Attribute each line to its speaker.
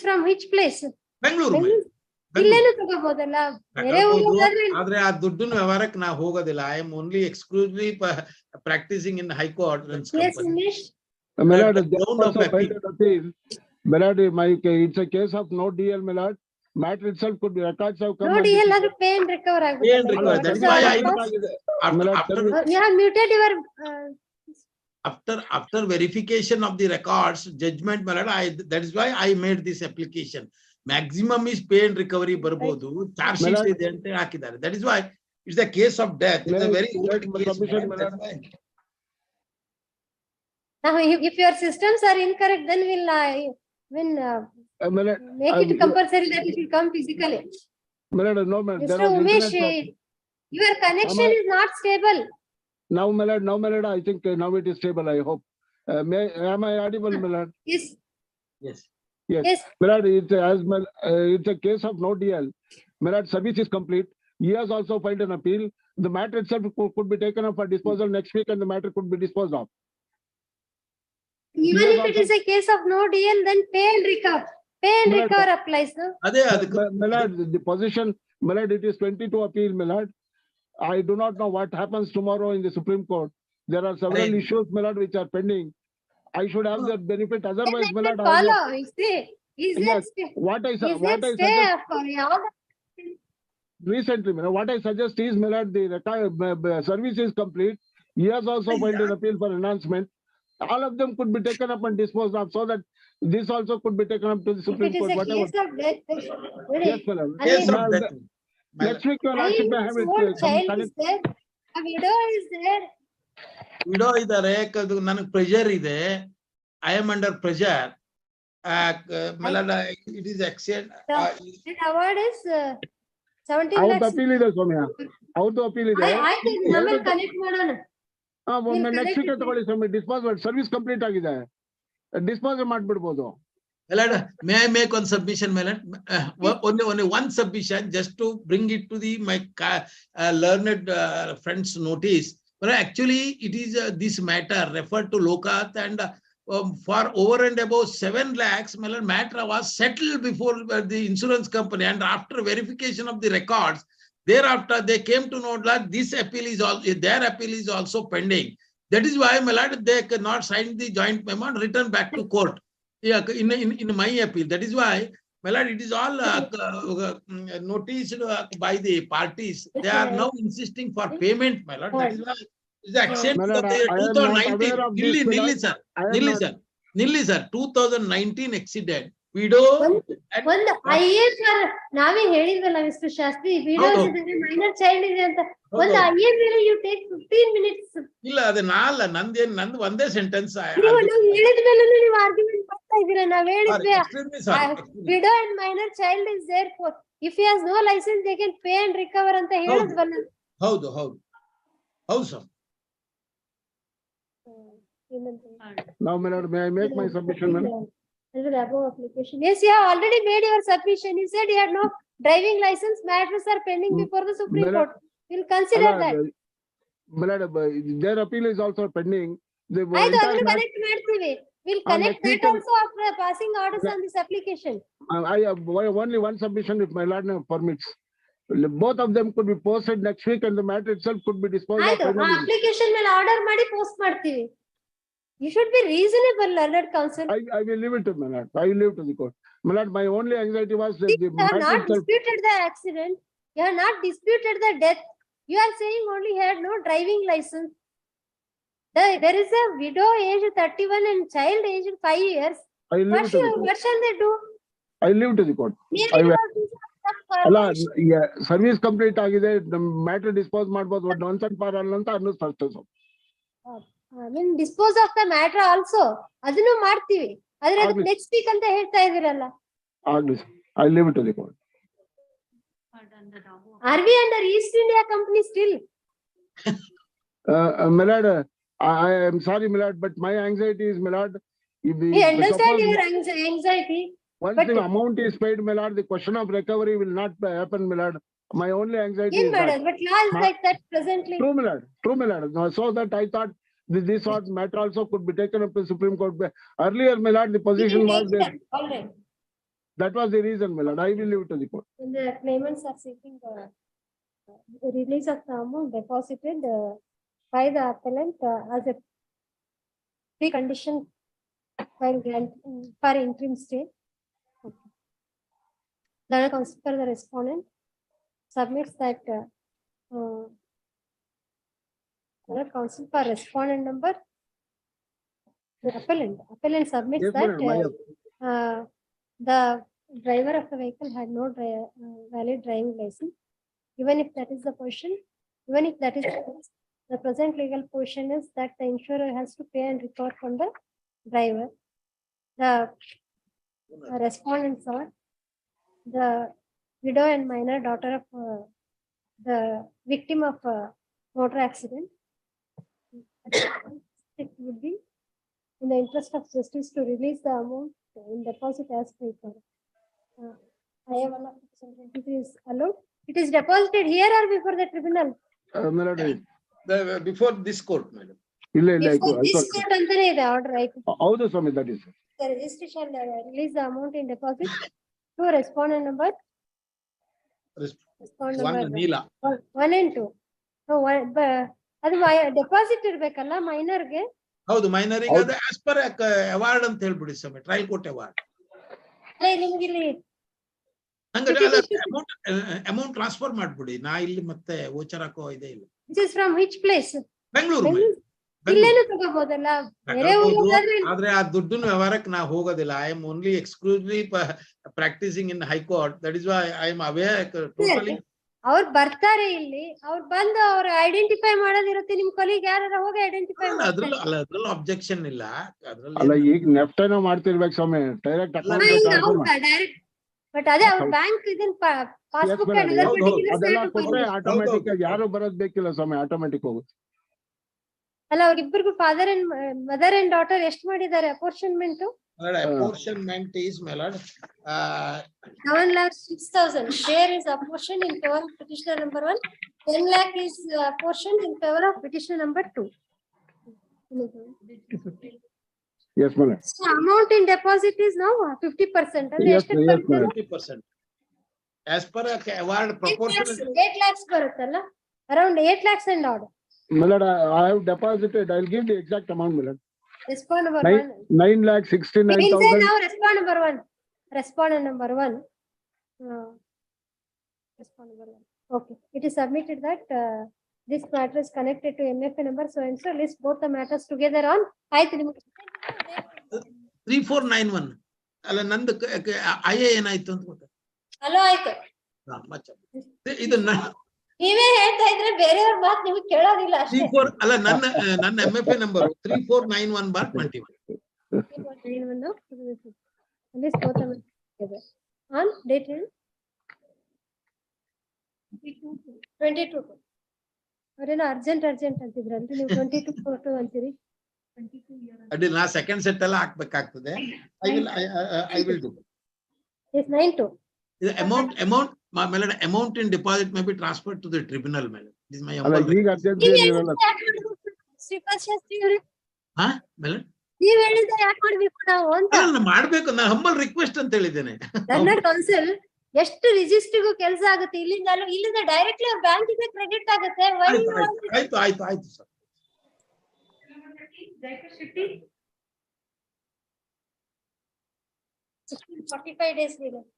Speaker 1: from which place?
Speaker 2: Bengaluru
Speaker 1: ಇಲ್ಲೇನು ತಗೋಬಹುದಲ್ಲ, ಬೇರೆ ಊರಿಗೆ
Speaker 2: ಆದ್ರೆ ಆ ದುಡ್ಡಿನ ವ್ಯವಹಾರಕ್ಕೆ ನಾವು ಹೋಗೋದಿಲ್ಲ. I am only exclusively practising in high court.
Speaker 1: Yes, Umesh.
Speaker 3: My lord, it's a case of no DL, my lord. Matter itself could be records have come.
Speaker 1: No DL ಆದ್ರೆ pay and recover ಆಗುತ್ತೆ.
Speaker 2: Pay and recover. That's why
Speaker 1: You have muted your
Speaker 2: after verification of the records, judgment, my lord, that is why I made this application. Maximum is pay and recovery ಬರ್ಬೋದು, charge sheet ಇದೆ ಅಂತ ಹಾಕಿದ್ದಾರೆ. That is why it's a case of death. It's a very old case.
Speaker 1: Now, if your systems are incorrect, then we'll make it compulsory that it will come physically.
Speaker 3: No,
Speaker 1: Mr. Umesh, your connection is not stable.
Speaker 3: Now, my lord, I think now it is stable, I hope. Am I audible, my lord?
Speaker 1: Yes.
Speaker 2: Yes.
Speaker 3: Yes. My lord, it's a case of no DL. My lord, service is complete. He has also filed an appeal. The matter itself could be taken up for disposal next week and the matter could be disposed of.
Speaker 1: Even if it is a case of no DL, then pay and recover. Pay and recover applies, no?
Speaker 3: My lord, the position, my lord, it is 22 appeal, my lord. I do not know what happens tomorrow in the Supreme Court. There are several issues, my lord, which are pending. I should have the benefit. Otherwise, my lord,
Speaker 1: follow.
Speaker 3: what I suggest recently, what I suggest is, my lord, the service is complete. He has also filed an appeal for enhancement. All of them could be taken up and disposed of, so that this also could be taken up to the Supreme Court. Whatever.
Speaker 1: Case of death.
Speaker 3: Yes, my lord.
Speaker 2: Case of death.
Speaker 3: Next week, your lordship may have it.
Speaker 1: Child is there. A widow is there.
Speaker 2: Widow ಇದಾರೆ, ನನಗೆ pressure ಇದೆ. I am under pressure. It is extent.
Speaker 1: Award is 17
Speaker 3: Out
Speaker 1: lakhs.
Speaker 3: appeal ಇದೆ ಸೌಮ್ಯ. Out appeal ಇದೆ.
Speaker 1: ಆಮೇಲೆ connect ಮಾಡೋಣ.
Speaker 3: Next week ತಗೊಳ್ಳಿ ಸ್ವಾಮಿ. Dispose service complete ಆಗಿದೆ, ಡಿಸ್ಪೋಸ್ ಮಾಡ್ಬಿಡ್ಬೋದು.
Speaker 2: May I make one submission, Melon? Only one submission, just to bring it to my learned friends' notice. But actually, it is this matter referred to Lokath, and for over and above 7 lakhs, Melon matter was settled before the insurance company, and after verification of the records, thereafter they came to know that this appeal is also, their appeal is also pending. That is why, my lord, they cannot sign the joint memo and return back to court. Yeah, in my appeal. That is why, my lord, it is all noticed by the parties. They are now insisting for payment, my lord. That is why the accent of the 2019. Nilli sir, 2019 accident. Widow.
Speaker 1: ಒಂದು IAS ನಾವೇ ಹೇಳಿದ್ವಲ್ಲ mister Shastri, widow ಇದೆ, minor child ಇದೆ ಅಂತ. ಒಂದು IAS ಮೇಲೆ you take 15 minutes.
Speaker 2: ಇಲ್ಲ, ಅದು ನಂದು ಒಂದೇ ಸೆಂಟೆನ್ಸ್.
Speaker 1: ನೀವು ಹೇಳಿದ ಮೇಲೆ ನೀವು ಆರ್ಗ್ಯುಮೆಂಟ್ ಮಾಡ್ತಾ ಇದ್ದೀರಾ. ನಾವ್ ಹೇಳಿದ್ವಿ widow and minor child is there for if he has no license they can pay and recover ಅಂತ ಹೇಳಿದ್ವಲ್ಲ.
Speaker 2: ಹೌದು sir.
Speaker 3: Now, my lord, may I make my submission, madam?
Speaker 1: Application. Yes, you have already made your submission. You said you had no driving license. Matters are pending before the Supreme Court. We'll consider that.
Speaker 3: My lord, their appeal is also pending.
Speaker 1: We'll connect that also after passing orders on this application.
Speaker 3: I have only one submission, if my lord permits. Both of them could be posted next week, and the matter itself could be disposed of.
Speaker 1: Application ಮೇಲೆ order ಮಾಡಿ post ಮಾಡ್ತೀವಿ. You should be reasonable, learned counsel.
Speaker 3: I will leave it to my lord. I will leave it to the court. My lord, my only anxiety was
Speaker 1: you have not disputed the accident. You have not disputed the death. You are saying only he had no driving license. There is a widow aged 31 and child aged 5 years. What shall they do?
Speaker 3: I will leave it to the court. Service complete ಆಗಿದೆ, matter dispose ಮಾಡಬಹುದು. Once and for all ಅಂತ ಅನ್ನಿಸ್ತಾ.
Speaker 1: I mean, dispose of the matter also. ಅದನ್ನು ಮಾಡ್ತೀವಿ. ಆದ್ರೆ ಅದು next week ಅಂತ ಹೇಳ್ತಾ ಇದೀರಲ್ಲ.
Speaker 3: ಆಗ್ಲಿ, I leave it to the court.
Speaker 1: Are we under East India Company still?
Speaker 3: My lord, I am sorry, my lord, but my anxiety is, my lord,
Speaker 1: we understand your anxiety.
Speaker 3: Once the amount is paid, my lord, the question of recovery will not happen, my lord. My only anxiety is that.
Speaker 1: But law is like that presently.
Speaker 3: True, my lord. No, so that I thought this sort matter also could be taken up to Supreme Court. Earlier, my lord, the position was that.
Speaker 1: All right.
Speaker 3: That was the reason, my lord. I will leave it to the court.
Speaker 1: When the claimants are seeking the release of the amount deposited by the appellant as a precondition while granting for interim stay. Okay. Learned counsel for the respondent submits that learned counsel for respondent number, the appellant submits
Speaker 3: Yes,
Speaker 1: that
Speaker 3: madam.
Speaker 1: the driver of the vehicle had no valid driving license. Even if that is the position, even if that is the case, the present legal position is that the insurer has to pay and recover from the driver. The respondents are the widow and minor daughter of the victim of motor accident. It would be in the interest of justice to release the amount in deposit as per required. I have 1% is allowed. It is deposited here or before the tribunal?
Speaker 3: My lord,
Speaker 2: Before this court, madam.
Speaker 3: ಇಲ್ಲ ಇಲ್ಲ
Speaker 1: Before this court ಅಂತಾನೆ ಇದೆ order, right?
Speaker 3: ಹೌದು ಸ್ವಾಮಿ, that is.
Speaker 1: The registry shall release the amount in deposit to respondent number. Respondent
Speaker 2: One
Speaker 1: number
Speaker 2: Neela.
Speaker 1: 1 and 2. No, ಅದು deposit ಇರ್ಬೇಕಲ್ಲ ಮೈನರ್ಗೆ.
Speaker 2: ಹೌದು, ಮೈನರಿಗೆ ಅದು ಆಸ್ ಪರ್ ಅವಾರ್ಡ್ ಅಂತ ಹೇಳ್ಬಿಡಿ ಸ್ವಾಮಿ, ಟ್ರಯಲ್ ಕೋರ್ಟ್ ಅವಾರ್ಡ್.
Speaker 1: ನಿಮ್ಗೆ ಇಲ್ಲಿ
Speaker 2: ಅಮೌಂಟ್ ಟ್ರಾನ್ಸ್ಫರ್ ಮಾಡ್ಬಿಡಿ. ನಾ ಇಲ್ಲಿ ಮತ್ತೆ ವೋಚರ್ ಹಾಕೋ ಇದೆ ಇಲ್ಲ.
Speaker 1: This is from which place?
Speaker 2: Bengaluru.
Speaker 1: ಇಲ್ಲೇನು ತಗೋಬಹುದಲ್ಲ, ಬೇರೆ ಊರಿಗೆ
Speaker 2: ಆದ್ರೆ ಆ ದುಡ್ಡಿನ ವ್ಯವಹಾರಕ್ಕೆ ನಾ ಹೋಗೋದಿಲ್ಲ. I am only exclusively practising in high court. That is why I am aware totally.
Speaker 1: ಅವ್ರು ಬರ್ತಾರೆ ಇಲ್ಲಿ, ಅವ್ರು ಬಂದು ಅವ್ರು ಐಡೆಂಟಿಫೈ ಮಾಡೋದಿರುತ್ತೆ. ನಿಮ್ ಕೊಲಿಗ್ ಯಾರು ಹೋಗಿ ಐಡೆಂಟಿಫೈ
Speaker 2: ಅದ್ರಲ್ಲೂ ಅಬ್ಜೆಕ್ಷನ್ ಇಲ್ಲ.
Speaker 3: ಅಲ್ಲ,
Speaker 2: ಅದ್ರಲ್ಲಿ
Speaker 3: ಈಗ ನೆಫ್ಟ್ ಏನೋ ಮಾಡ್ತಿರ್ಬೇಕು ಸ್ವಾಮಿ, ಡೈರೆಕ್ಟ್
Speaker 1: ಡೈರೆಕ್ಟ್. ಬಟ್ ಅದೇ ಅವ್ರ ಬ್ಯಾಂಕ್ ಇದನ್ ಪಾಸ್ಬುಕ್
Speaker 3: ಅದೆಲ್ಲ ಕೊಟ್ಟರೆ ಆಟೋಮೆಟಿಕ್ ಆಗಿ ಯಾರು ಬರೋದ್ ಬೇಕಿಲ್ಲ ಸ್ವಾಮಿ, ಆಟೋಮೆಟಿಕ್ ಹೋಗುತ್ತೆ.
Speaker 1: ಅಲ್ಲ, ಅವ್ರಿಬ್ಬರಿಗೂ father and mother and daughter ಎಷ್ಟು ಮಾಡಿದ್ದಾರೆ apportionment?
Speaker 2: apportionment is, my lord,
Speaker 1: 7,06,000. There is apportion in favor of petitioner number 1. 10 lakh is apportioned in favor of petitioner number 2.
Speaker 3: Yes, madam.
Speaker 1: So amount in deposit is now 50%. And
Speaker 3: Yes, yes, madam.
Speaker 2: 50%. As per award proportion.
Speaker 1: 8 lakhs ಬರುತ್ತಲ್ಲ, around 8 lakhs and odd.
Speaker 3: My lord, I have deposited. I'll give the exact amount, my lord.
Speaker 1: Respond number 1.
Speaker 3: 9,69,000.
Speaker 1: Now respond number 1. Respondent number 1. Respond number 1. Okay. It is submitted that this matter is connected to MFA number so and so. List both the matters together on.
Speaker 2: 3491. ಅಲ್ಲ, ನಂದು I ಏನಾಯ್ತು ಅಂತ ಗೊತ್ತ.
Speaker 1: Hello, ಆಯ್ತು.
Speaker 2: ಇದು
Speaker 1: ನೀವೇ ಹೇಳ್ತಾ ಇದ್ರೆ ಬೇರೆಯವ್ರ ಮಾತು ನಿಮಗೆ ಕೇಳೋದಿಲ್ಲ ಅಷ್ಟೇ.
Speaker 2: 34 ಅಲ್ಲ, ನನ್ನ MFA number 3491/21.
Speaker 1: 3491. List both the matters together on date 22. ಅವರೇನೋ ಅರ್ಜೆಂಟ್ ಅಂತಿದ್ರಲ್ರಿ, ನೀವು 22 ಅಂತೀರಿ.
Speaker 2: ಅಡ್ಡಿ ನಾ ಸೆಕೆಂಡ್ ಸೆಟ್ ಎಲ್ಲ ಹಾಕ್ಬೇಕಾಗ್ತದೆ. I will do.
Speaker 1: Yes, 92.
Speaker 2: The amount, my melody, amount in deposit may be transferred to the tribunal, melody. This is my
Speaker 3: ಅಲ್ಲ,
Speaker 2: humble.
Speaker 3: ಈಗ urgent
Speaker 1: Shripad Shastri ಅವರೇ,
Speaker 2: ಹಾ melody?
Speaker 1: ನೀವ್ ಹೇಳಿದ್ರೆ ಯಾಕೆ ಮಾಡ್ಬೇಕು ನಾವು ಅಂತ.
Speaker 2: ಅಲ್ಲ, ಮಾಡ್ಬೇಕು. ನಾನು ಹಂಬಲ್ ರಿಕ್ವೆಸ್ಟ್ ಅಂತ ಹೇಳಿದ್ದೇನೆ.
Speaker 1: ನನ್ನ ಕೌನ್ಸಿಲ್ ಎಷ್ಟು ರಿಜಿಸ್ಟ್ರಿಗೂ ಕೆಲಸ ಆಗುತ್ತೆ. ಇಲ್ಲಿಂದ ಡೈರೆಕ್ಟ್ಲಿ ಅವ್ರ ಬ್ಯಾಂಕಿಗೆ ಕ್ರೆಡಿಟ್ ಆಗುತ್ತೆ.
Speaker 2: ಆಯ್ತು ಸರ್.
Speaker 1: 45 days ಇದೆ.